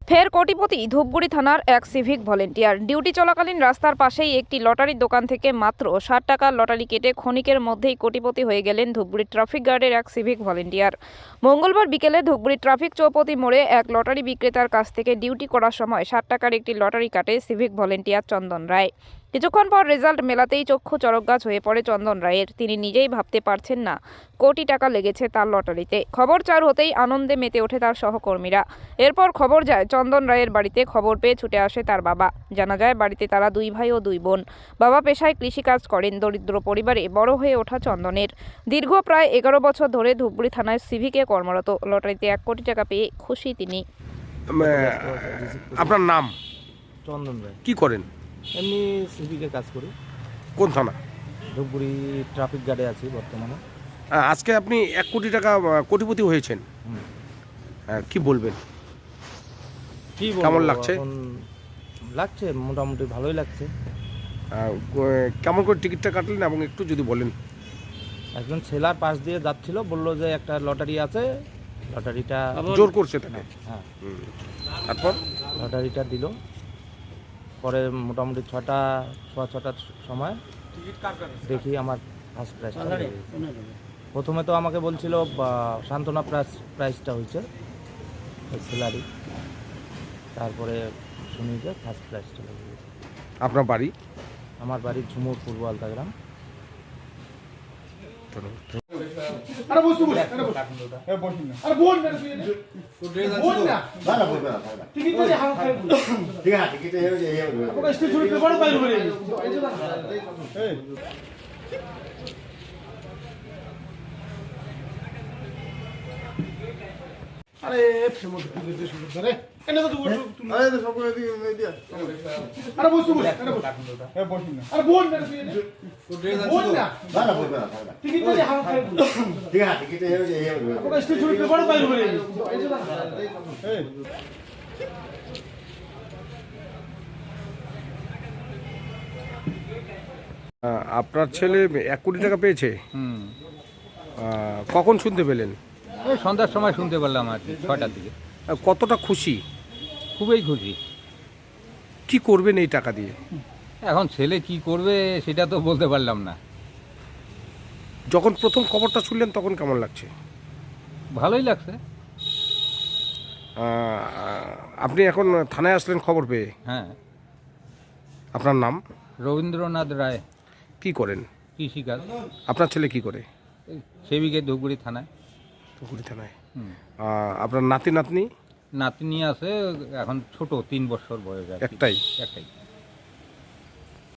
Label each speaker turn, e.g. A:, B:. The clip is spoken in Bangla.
A: ফের কোটিপতি ধূপগুড়ি থানার এক সিভিক ভলেন্টিয়ার। ডিউটি চলাকালীন রাস্তার পাশেই একটি লটারির দোকান থেকে মাত্র ৬০ টাকার লটারি কেটে ক্ষণিকের মধ্যেই কোটিপতি হয়ে গেলেন ধূপগুড়ি ট্রাফিক গার্ডের এক সিভিক ভলেন্টিয়ার। মঙ্গলবার বিকেলে ধূপগুড়ি ট্রাফিক চৌপতি মোড়ে এক লটারি বিক্রেতার কাছ থেকে ডিউটি করার সময় ৬০ টাকার একটি লটারি কাটে সিভিক ভলেন্টিয়ার চন্দন রায়। কিছুক্ষণ পর রেজাল্ট মেলাতেই চক্ষু চরকগাছ হয়ে পড়ে চন্দন রায়ের। তিনি নিজেই ভাবতে পারছেন না কোটি টাকা লেগেছে তার লটারিতে। খবর চার হতেই আনন্দে মেতে ওঠে তার সহকর্মীরা। এরপর খবর যায় চন্দন রায়ের বাড়িতে। খবর পেয়ে ছুটে আসে তার বাবা। জানা যায় বাড়িতে তারা 2 ভাই ও 2 বোন। বাবা পেশায় কৃষিকাজ করেন। দরিদ্র পরিবারে বড় হয়ে ওঠা চন্দনের। দীর্ঘ প্রায় 11 বছর ধরে ধূপগুড়ি থানায় সিভিকে কর্মরত। লটারিতে 1 কোটি টাকা পেয়ে খুশি তিনি।
B: আপনার নাম?
C: চন্দন রায়।
B: কি করেন?
C: এমনি সিভিকের কাজ করি।
B: কোন থানা?
C: ধূপগুড়ি ট্রাফিক গার্ডে আছি বর্তমানে।
B: আজকে আপনি 1 কোটি টাকা কোটিপতি হয়েছেন। কি বলবেন?
C: কি বলবো,
B: কেমন লাগছে?
C: এখন লাগছে, মোটামুটি ভালোই লাগছে।
B: কেমন করে টিকিটটা কাটলেন এবং একটু যদি বলেন।
C: একজন ছেলার পাশ দিয়ে যাচ্ছিল, বললো যে একটা লটারি আছে, লটারিটা
B: জোর করছে তাকে।
C: হ্যাঁ,
B: তারপর
C: লটারিটা দিল। পরে মোটামুটি 6টার সময় দেখি আমার ফার্স্ট প্রাইজ। প্রথমে তো আমাকে বলছিল সান্ত্বনা প্রাইজটা হয়েছে স্যালারি, তারপরে শুনি যে ফার্স্ট প্রাইজটা লেগে গেছে।
B: আপনার বাড়ি?
C: আমার বাড়ি ঝুমুর পূর্ব আলতাগ্রাম।
D: আরে ফেমস ভিডিও শুরু করে এনে তো তুই আরে তো সব করে দিয়ে দিয়া আরে বসু বস আরে বস এ বসিন না আরে বোন না তুই বোন না না বল না টিকিট দিয়ে হাম খাই ঠিক আছে টিকিট এই যে এই ওকে স্টেজ শুরু করে বড় পাইল বলে এই
B: আপনার ছেলে 1 কোটি টাকা পেয়েছে। কখন শুনতে পেলেন?
E: ওই সন্ধ্যার সময় শুনতে পারলাম আর কি, 6টার দিকে।
B: কতটা খুশি?
E: খুবই খুশি।
B: কি করবেন এই টাকা দিয়ে?
E: এখন ছেলে কি করবে সেটা তো বলতে পারলাম না।
B: যখন প্রথম খবরটা শুনলেন তখন কেমন লাগছে?
E: ভালোই লাগছে।
B: আপনি এখন থানায় আসলেন খবর পেয়ে।
E: হ্যাঁ।
B: আপনার নাম?
E: রবীন্দ্রনাথ রায়।
B: কি করেন?
E: কৃষিকাজ।
B: আপনার ছেলে কি করে?
E: সেবিকে ধূপগুড়ি থানায়।
B: ধূপগুড়ি থানায়। আপনার নাতি নাতনি?
E: নাতনি আছে, এখন ছোট, 3 বছর বয়স।
B: একটাই?
E: একটাই।